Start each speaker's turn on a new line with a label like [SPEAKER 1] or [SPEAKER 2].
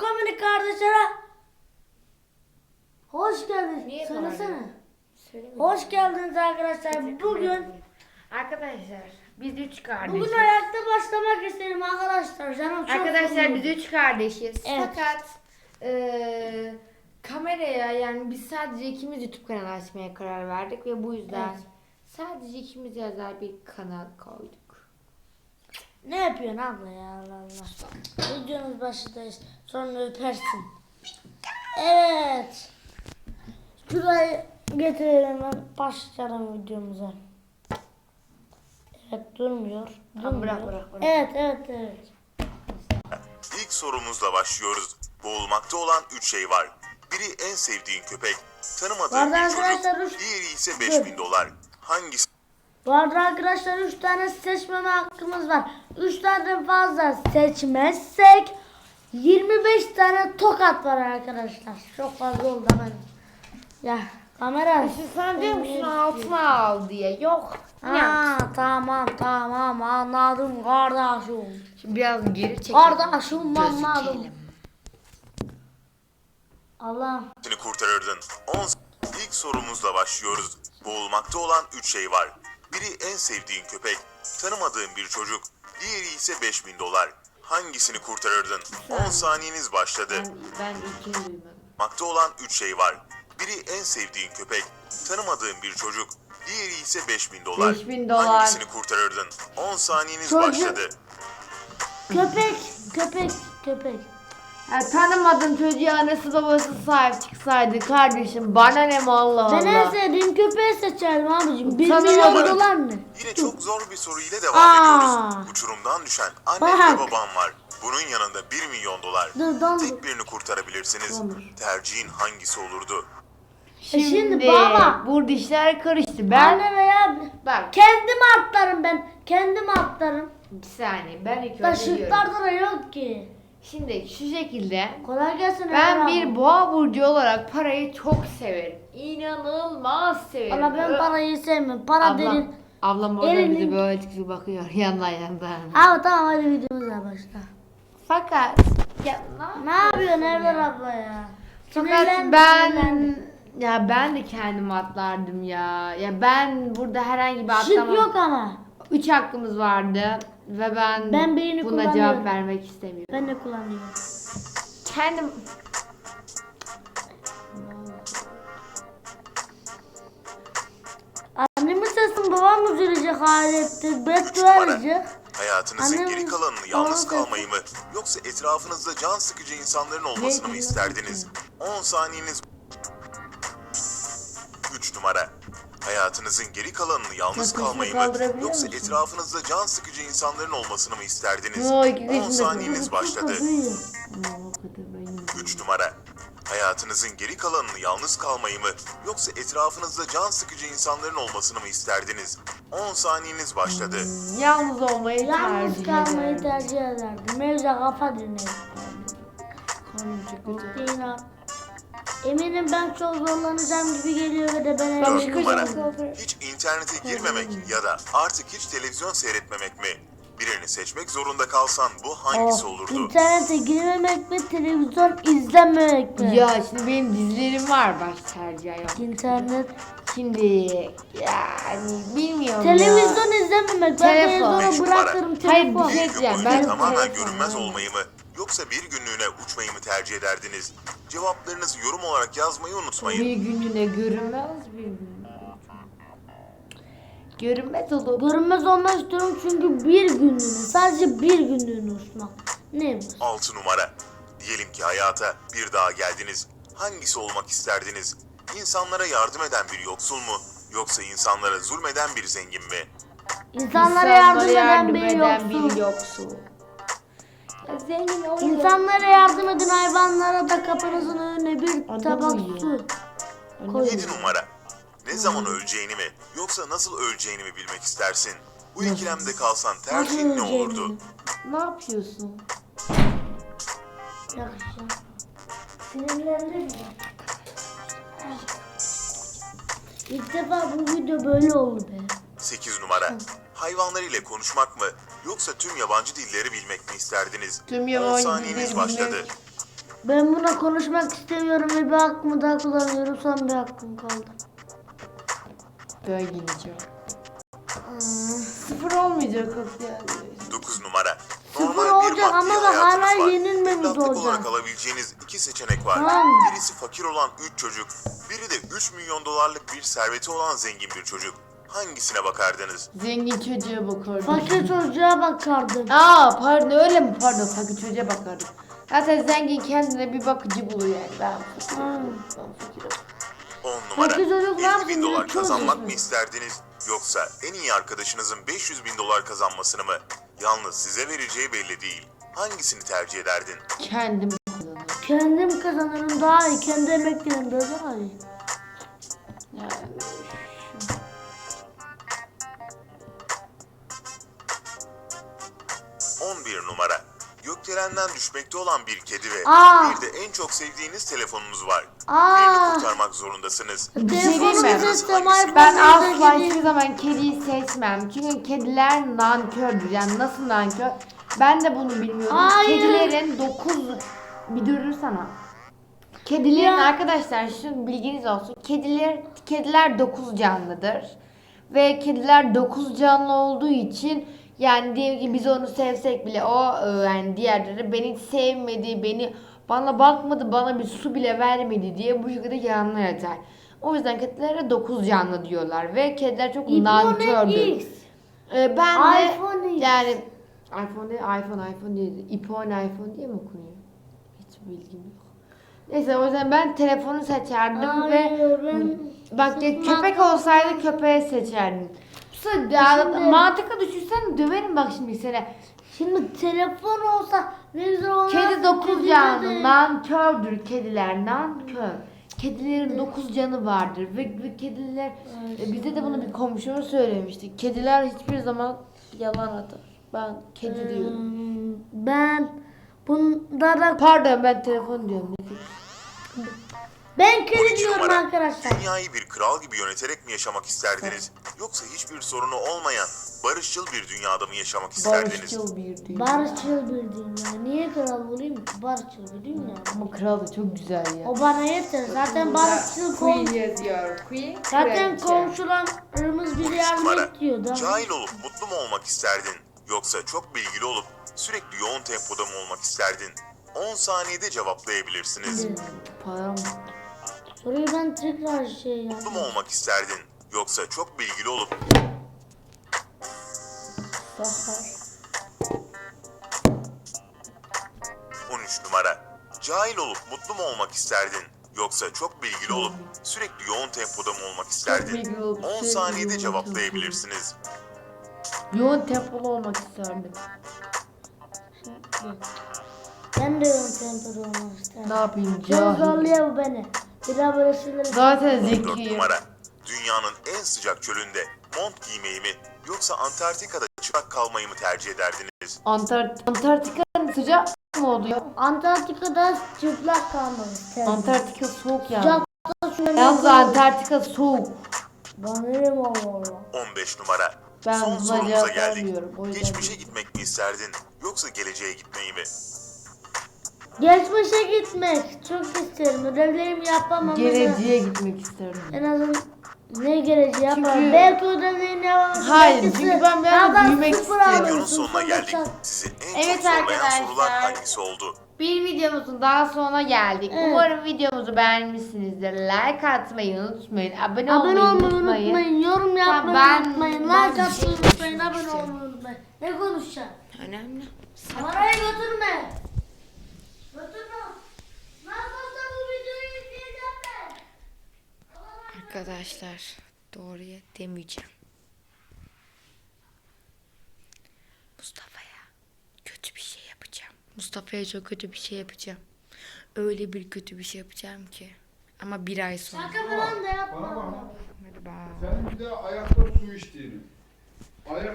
[SPEAKER 1] komik kardeşlere. Hoş geldiniz.
[SPEAKER 2] Niye
[SPEAKER 1] Söylesene.
[SPEAKER 2] Söylemedim.
[SPEAKER 1] Hoş geldiniz arkadaşlar. Bugün
[SPEAKER 2] Arkadaşlar biz 3 kardeşiz.
[SPEAKER 1] bugün ayakta başlamak istedim arkadaşlar. Canım çok
[SPEAKER 2] Arkadaşlar
[SPEAKER 1] sıkıldı.
[SPEAKER 2] biz 3 kardeşiz.
[SPEAKER 1] Evet.
[SPEAKER 2] Fakat kameraya yani biz sadece ikimiz YouTube kanalı açmaya karar verdik ve bu yüzden
[SPEAKER 1] Evet.
[SPEAKER 2] sadece ikimiz özel bir kanal koyduk.
[SPEAKER 1] Ne yapıyorsun abla ya, Allah Allah. Videonun başındayız. Sonra öpersin. Evet. Şurayı getirelim, hemen başlayalım videomuza. Evet, durmuyor.
[SPEAKER 2] Tamam,
[SPEAKER 1] Durmuyor.
[SPEAKER 2] bırak.
[SPEAKER 1] Evet.
[SPEAKER 3] İlk sorumuzla başlıyoruz. Boğulmakta olan 3 şey var. Biri en sevdiğin köpek, tanımadığın
[SPEAKER 1] Vardı
[SPEAKER 3] bir
[SPEAKER 1] arkadaşlar,
[SPEAKER 3] çocuk,
[SPEAKER 1] üç-
[SPEAKER 3] diğeri ise 5.000 dolar. Hangisi
[SPEAKER 1] Bu arada arkadaşlar 3 tane seçmeme hakkımız var. 3 tane fazla seçmezsek 25 tane tokat var arkadaşlar. Çok fazla oldu hemen. Ya kamera.
[SPEAKER 2] Sen diyor musun altına al diye. Yok.
[SPEAKER 1] Ha, tamam anladım kardeşim.
[SPEAKER 2] Şimdi biraz geri çekelim.
[SPEAKER 1] Kardeşim anladım.
[SPEAKER 2] Gözükelim.
[SPEAKER 1] Allah.
[SPEAKER 3] kurtarırdın? İlk sorumuzla başlıyoruz. Boğulmakta olan 3 şey var. Biri en sevdiğin köpek, tanımadığın bir çocuk, diğeri ise 5.000 dolar. Hangisini kurtarırdın? 10 saniyeniz başladı.
[SPEAKER 2] Ben ilkini duymadım.
[SPEAKER 3] Boğulmakta olan 3 şey var. Biri en sevdiğin köpek, tanımadığın bir çocuk, diğeri ise 5.000 dolar.
[SPEAKER 2] 5.000 dolar.
[SPEAKER 3] Hangisini kurtarırdın? 10 saniyeniz
[SPEAKER 1] Çocuk.
[SPEAKER 3] başladı.
[SPEAKER 1] Köpek.
[SPEAKER 2] Ya tanımadığın çocuğa annesi babası sahip çıksaydı kardeşim bana ne mi Allah
[SPEAKER 1] Ben en
[SPEAKER 2] Allah.
[SPEAKER 1] sevdiğim köpeği seçerim abicim. 1
[SPEAKER 2] Tanımadım.
[SPEAKER 1] milyon dolar ne?
[SPEAKER 3] Yine çok zor bir soru ile devam
[SPEAKER 1] Aa.
[SPEAKER 3] ediyoruz. Uçurumdan düşen anne
[SPEAKER 1] Bak.
[SPEAKER 3] ve baban var. Bunun yanında 1 milyon dolar.
[SPEAKER 1] Dur.
[SPEAKER 3] Tek birini kurtarabilirsiniz.
[SPEAKER 2] Olur.
[SPEAKER 3] Tercihin hangisi olurdu?
[SPEAKER 1] Şimdi baba.
[SPEAKER 2] Burada işler karıştı. Ben
[SPEAKER 1] Anne veya
[SPEAKER 2] bak
[SPEAKER 1] kendim atlarım ben. Kendim atlarım.
[SPEAKER 2] bir saniye ben ilk önce diyorum.
[SPEAKER 1] Taşıtlarda da yok ki.
[SPEAKER 2] Şimdi şu şekilde
[SPEAKER 1] Kolay gelsin.
[SPEAKER 2] ben
[SPEAKER 1] Ömer
[SPEAKER 2] bir
[SPEAKER 1] abi.
[SPEAKER 2] boğa burcu olarak parayı çok severim. İnanılmaz severim.
[SPEAKER 1] Ama ben parayı sevmiyorum. Para
[SPEAKER 2] Ablam,
[SPEAKER 1] derin.
[SPEAKER 2] ablam orada
[SPEAKER 1] Elinin-
[SPEAKER 2] bize böyle çıkıp bakıyor yandan.
[SPEAKER 1] Abi tamam hadi videomuza başla.
[SPEAKER 2] Fakat ya
[SPEAKER 1] Ne yapıyorsun Evler abla ya?
[SPEAKER 2] Fakat
[SPEAKER 1] Sinirlendim,
[SPEAKER 2] ben
[SPEAKER 1] sinirlendim.
[SPEAKER 2] ya ben de kendimi atlardım ya. Ya ben burada herhangi bir
[SPEAKER 1] Şık
[SPEAKER 2] atlama.
[SPEAKER 1] yok ama.
[SPEAKER 2] 3 hakkımız vardı ve ben
[SPEAKER 1] birini
[SPEAKER 2] buna
[SPEAKER 1] kullanıyorum.
[SPEAKER 2] cevap vermek istemiyorum.
[SPEAKER 1] Ben de kullanıyorum.
[SPEAKER 2] Kendim
[SPEAKER 1] Annemin sesin babam üzülecek halette. Beddua edecek.
[SPEAKER 3] Hayatınızın
[SPEAKER 1] Annem-
[SPEAKER 3] geri kalanını yalnız
[SPEAKER 1] Babam-
[SPEAKER 3] kalmayı mı yoksa etrafınızda can sıkıcı insanların olmasını mı
[SPEAKER 2] Ne?
[SPEAKER 3] isterdiniz? 10 saniyeniz. 3 numara. Hayatınızın geri kalanını yalnız
[SPEAKER 2] Yaklaşık
[SPEAKER 3] kalmayı mı
[SPEAKER 2] kaldırabiliyor
[SPEAKER 3] yoksa
[SPEAKER 2] musun?
[SPEAKER 3] etrafınızda can sıkıcı insanların olmasını mı isterdiniz?
[SPEAKER 2] Yo, iki
[SPEAKER 3] 10
[SPEAKER 2] kişi de-
[SPEAKER 3] saniyeniz başladı.
[SPEAKER 2] Aman o kadar benim.
[SPEAKER 3] 3 numara. Hayatınızın geri kalanını yalnız kalmayı mı yoksa etrafınızda can sıkıcı insanların olmasını mı isterdiniz? 10 saniyeniz başladı.
[SPEAKER 2] Yalnız olmayı
[SPEAKER 1] Yalnız
[SPEAKER 2] tercih
[SPEAKER 1] kalmayı
[SPEAKER 2] ederim.
[SPEAKER 1] tercih ederdim. Mevza kafa dinledim.
[SPEAKER 2] Karnım çok kötü.
[SPEAKER 1] Değil abi. Eminim ben çok zorlanacağım gibi geliyor ve de ben
[SPEAKER 3] 4
[SPEAKER 1] eminim.
[SPEAKER 3] numara. Hiç internete girmemek ya da artık hiç televizyon seyretmemek mi? Birini seçmek zorunda kalsan bu hangisi olurdu?
[SPEAKER 1] İnternete girmemek mi, televizyon izlememek mi?
[SPEAKER 2] Ya şimdi benim dizilerim var baş tercih yok.
[SPEAKER 1] İnternet.
[SPEAKER 2] Şimdi yani bilmiyorum ya.
[SPEAKER 1] Televizyon izlememek. Ben
[SPEAKER 2] Telefon.
[SPEAKER 1] televizyonu bırakırım
[SPEAKER 2] Hayır,
[SPEAKER 1] telefon.
[SPEAKER 2] bir şey
[SPEAKER 3] Bir gün
[SPEAKER 2] diyeceğim.
[SPEAKER 3] boyunca
[SPEAKER 2] Ben
[SPEAKER 3] tamamen
[SPEAKER 2] telefon-
[SPEAKER 3] görünmez olmayı mı yoksa bir günlüğüne uçmayı mı tercih ederdiniz? Cevaplarınızı yorum olarak yazmayı unutmayın.
[SPEAKER 2] Bir günlüğüne görünmez bir gün. Görünmez olur.
[SPEAKER 1] Görünmez olmak istiyorum çünkü bir günlüğüne, sadece bir günlüğüne uçmak. Ne bu?
[SPEAKER 3] 6 numara. Diyelim ki hayata bir daha geldiniz. Hangisi olmak isterdiniz? İnsanlara yardım eden bir yoksul mu? Yoksa insanlara zulmeden bir zengin mi?
[SPEAKER 1] İnsanlara yardım eden
[SPEAKER 2] yardım
[SPEAKER 1] bir
[SPEAKER 2] eden
[SPEAKER 1] yoksul.
[SPEAKER 2] bir yoksul. Ya zengin olur.
[SPEAKER 1] İnsanlara yardım edin, hayvanlara da kapınızın önüne bir
[SPEAKER 2] Adam
[SPEAKER 1] tabak
[SPEAKER 2] uyuyor.
[SPEAKER 1] su koyun.
[SPEAKER 3] 7 numara. Ne zaman öleceğini mi yoksa nasıl öleceğini mi bilmek istersin? Bu ikilemde kalsan tercihin ne olurdu?
[SPEAKER 2] Ne yapıyorsun?
[SPEAKER 1] Yakışıyor. Sinirlendim ya. İlk defa bu video böyle oldu be.
[SPEAKER 3] 8 numara. Hayvanlar ile konuşmak mı yoksa tüm yabancı dilleri bilmek mi isterdiniz?
[SPEAKER 2] Tüm
[SPEAKER 3] 10
[SPEAKER 2] yabancı
[SPEAKER 3] saniyeniz
[SPEAKER 2] dilleri
[SPEAKER 3] başladı.
[SPEAKER 2] bilmek.
[SPEAKER 1] Ben buna konuşmak istemiyorum ve bir hakkımı daha kullanıyorum. Son bir hakkım kaldı.
[SPEAKER 2] Böyle gideceğim. Sıfır olmayacak o yani.
[SPEAKER 3] 9 numara.
[SPEAKER 1] Sıfır
[SPEAKER 3] Normal bir
[SPEAKER 1] olacak
[SPEAKER 3] maddi
[SPEAKER 1] ama da
[SPEAKER 3] hayatınız
[SPEAKER 1] hala
[SPEAKER 3] var.
[SPEAKER 1] yenilmemiz
[SPEAKER 3] Evlatlık
[SPEAKER 1] olacak.
[SPEAKER 3] olarak alabileceğiniz 2 seçenek var.
[SPEAKER 1] Tamam.
[SPEAKER 3] Birisi fakir olan 3 çocuk, biri de 3 milyon dolarlık bir serveti olan zengin bir çocuk. Hangisine bakardınız?
[SPEAKER 2] Zengin çocuğa bakardım.
[SPEAKER 1] Fakir çocuğa bakardım.
[SPEAKER 2] Aa pardon öyle mi? Pardon fakir çocuğa bakardım. Zaten zengin kendine bir bakıcı buluyor yani. Ben fakirim. Ben fakirim.
[SPEAKER 3] 10 numara.
[SPEAKER 1] Fakir çocuk ne
[SPEAKER 3] 50
[SPEAKER 1] yapsın?
[SPEAKER 3] bin dolar
[SPEAKER 1] Direkt çocuk
[SPEAKER 3] kazanmak
[SPEAKER 1] mu?
[SPEAKER 3] mı isterdiniz? Yoksa en iyi arkadaşınızın 500 bin dolar kazanmasını mı? Yalnız size vereceği belli değil. Hangisini tercih ederdin?
[SPEAKER 2] Kendim kazanırım.
[SPEAKER 1] Kendim kazanırım daha iyi. Kendi emeklerim daha iyi.
[SPEAKER 2] Yani
[SPEAKER 3] 11 numara. Gökdelenden düşmekte olan bir kedi ve
[SPEAKER 1] Aa!
[SPEAKER 3] bir de en çok sevdiğiniz telefonunuz var.
[SPEAKER 1] Aa!
[SPEAKER 3] Birini kurtarmak zorundasınız.
[SPEAKER 2] Bir şey diyeyim mi?
[SPEAKER 1] Telefonumu seçtim, iPhone'u
[SPEAKER 2] Ben
[SPEAKER 1] seçtim.
[SPEAKER 2] asla hiçbir zaman kediyi seçmem. Çünkü kediler nankördür. Yani nasıl nankör? Ben de bunu bilmiyordum.
[SPEAKER 1] Hayır.
[SPEAKER 2] Kedilerin 9... Bir durursana. Kedilerin
[SPEAKER 1] Ya.
[SPEAKER 2] arkadaşlar şu bilginiz olsun. Kediler 9 canlıdır. Ve kediler 9 canlı olduğu için yani diyelim ki biz onu sevsek bile o yani diğerleri beni sevmedi, bana bakmadı, bana bir su bile vermedi diye bu şekilde yalanlar yatar. O yüzden kedilere 9 canlı diyorlar ve kediler çok nankördür.
[SPEAKER 1] X.
[SPEAKER 2] Ben de
[SPEAKER 1] iPhone X.
[SPEAKER 2] yani iPhone değil, iPhone değil. iPhone diye mi okunuyor? Hiç bilgim yok. Neyse o yüzden ben telefonu seçerdim ve
[SPEAKER 1] Hayır, ben
[SPEAKER 2] bak köpek olsaydı köpeği seçerdim.
[SPEAKER 1] Şimdi-
[SPEAKER 2] Mantıklı düşünsen döverim bak şimdi seni.
[SPEAKER 1] Şimdi telefon olsa ne güzel olur.
[SPEAKER 2] Kedi 9 canlı, nankördür kediler, nankör. Kedilerin 9 canı vardır ve kediler bize de bunu bir komşumuz söylemişti. Kediler hiçbir zaman yalan atar. Ben kedi diyorum.
[SPEAKER 1] Ben bunlara
[SPEAKER 2] Pardon ben telefon diyorum.
[SPEAKER 1] ben kedi
[SPEAKER 3] 12
[SPEAKER 1] diyorum
[SPEAKER 3] numara.
[SPEAKER 1] arkadaşlar.
[SPEAKER 3] Dünyayı bir kral gibi yöneterek mi yaşamak isterdiniz? Yoksa hiçbir sorunu olmayan barışçıl bir dünyada mı yaşamak isterdiniz?
[SPEAKER 2] Barışçıl bir dünya.
[SPEAKER 1] Barışçıl bir dünya. Niye kral olayım ki? Barışçıl bir dünya.
[SPEAKER 2] Ama kral da çok güzel ya.
[SPEAKER 1] O bana yeter. Zaten barışçıl
[SPEAKER 2] Queen yazıyor. Queen.
[SPEAKER 1] Zaten
[SPEAKER 2] kraliçe.
[SPEAKER 1] komşularımız bizi
[SPEAKER 3] 13
[SPEAKER 1] yardım
[SPEAKER 3] numara.
[SPEAKER 1] ediyor da.
[SPEAKER 3] Cahil olup mutlu mu olmak isterdin? Yoksa çok bilgili olup sürekli yoğun tempoda mı olmak isterdin? 10 saniyede cevaplayabilirsiniz.
[SPEAKER 2] Param.
[SPEAKER 1] Soruyu ben tekrar şey
[SPEAKER 3] Mutlu
[SPEAKER 1] yaptım.
[SPEAKER 3] mu olmak isterdin? Yoksa çok bilgili olup
[SPEAKER 2] Sahar.
[SPEAKER 3] 13 numara. Cahil olup mutlu mu olmak isterdin? Yoksa çok bilgili olup sürekli yoğun tempoda mı olmak isterdin?
[SPEAKER 2] bilgili olup
[SPEAKER 3] 10
[SPEAKER 2] sürekli
[SPEAKER 3] saniyede
[SPEAKER 2] yoğun
[SPEAKER 3] cevaplayabilirsiniz.
[SPEAKER 2] Yoğun tempolu olmak isterdim.
[SPEAKER 1] Ben de yoğun tempoda olmak isterim.
[SPEAKER 2] Ne yapayım
[SPEAKER 1] Çok
[SPEAKER 2] cahil.
[SPEAKER 1] zorluyor bu beni. Bir daha böyle şeyleri...
[SPEAKER 2] Zaten
[SPEAKER 3] 4
[SPEAKER 2] zekiyim.
[SPEAKER 3] numara. Dünyanın en sıcak çölünde mont giymeyi mi yoksa Antarktika'da çıplak kalmayı mı tercih ederdiniz?
[SPEAKER 2] Antarktika'nın sıcak mı oluyor?
[SPEAKER 1] Antarktika'da çıplak kalmak isterim.
[SPEAKER 2] Antarktika soğuk yani.
[SPEAKER 1] Sıcakta şöyle...
[SPEAKER 2] Yalnız Antarktika soğuk.
[SPEAKER 1] Bana ne Allah.
[SPEAKER 3] 15 numara.
[SPEAKER 2] Ben
[SPEAKER 3] Son
[SPEAKER 2] buna
[SPEAKER 3] sorumuza
[SPEAKER 2] cevap
[SPEAKER 3] geldik.
[SPEAKER 2] vermiyorum, o yüzden
[SPEAKER 3] Geçmişe
[SPEAKER 2] değil.
[SPEAKER 3] gitmek mi isterdin yoksa geleceğe gitmeyi mi?
[SPEAKER 1] Geçmişe gitmek çok isterim. Ödevlerimi yapamam. ama
[SPEAKER 2] Geleceğe gitmek isterdim.
[SPEAKER 1] En azından ne geleceği yapamam.
[SPEAKER 2] Çünkü-
[SPEAKER 1] Belki ödevlerini yapamam.
[SPEAKER 2] Hayır,
[SPEAKER 1] Belki
[SPEAKER 2] çünkü ben biraz
[SPEAKER 1] daha
[SPEAKER 2] büyümek
[SPEAKER 1] sıfır
[SPEAKER 2] istiyorum.
[SPEAKER 1] alırsın,
[SPEAKER 3] Videonun sonuna
[SPEAKER 1] sonra
[SPEAKER 3] geldik.
[SPEAKER 1] çak.
[SPEAKER 3] Sizi en
[SPEAKER 2] Evet
[SPEAKER 3] çok zorlayan
[SPEAKER 2] arkadaşlar.
[SPEAKER 3] sorular hangisi oldu?
[SPEAKER 2] Bir videomuzun daha sonuna geldik.
[SPEAKER 1] Evet.
[SPEAKER 2] Umarım videomuzu beğenmişsinizdir. Like atmayı unutmayın. Abone
[SPEAKER 1] Abone
[SPEAKER 2] olmayı
[SPEAKER 1] olmayı
[SPEAKER 2] unutmayın.
[SPEAKER 1] unutmayın. Yorum yapmayı
[SPEAKER 2] ben-
[SPEAKER 1] unutmayın.
[SPEAKER 2] ben
[SPEAKER 1] Like
[SPEAKER 2] bir şey
[SPEAKER 1] atmayı unutmayın. Abone olmayı unutmayın. Ne konuşacağım?
[SPEAKER 2] Önemli.
[SPEAKER 1] Kamerayı götürme. Götürme. Nasıl olsa bu videoyu izleyeceğim ben.
[SPEAKER 4] Arkadaşlar doğruya demeyeceğim. Mustafa'ya kötü bir şey yapacağım. Mustafa'ya çok kötü bir şey yapacağım. Öyle bir kötü bir şey yapacağım ki. Ama bir ay sonra.
[SPEAKER 1] Şaka falan da yapma.
[SPEAKER 5] Bana bak.
[SPEAKER 4] Hadi bak.
[SPEAKER 5] Senin bir de ayakta su içtiğini. Ayak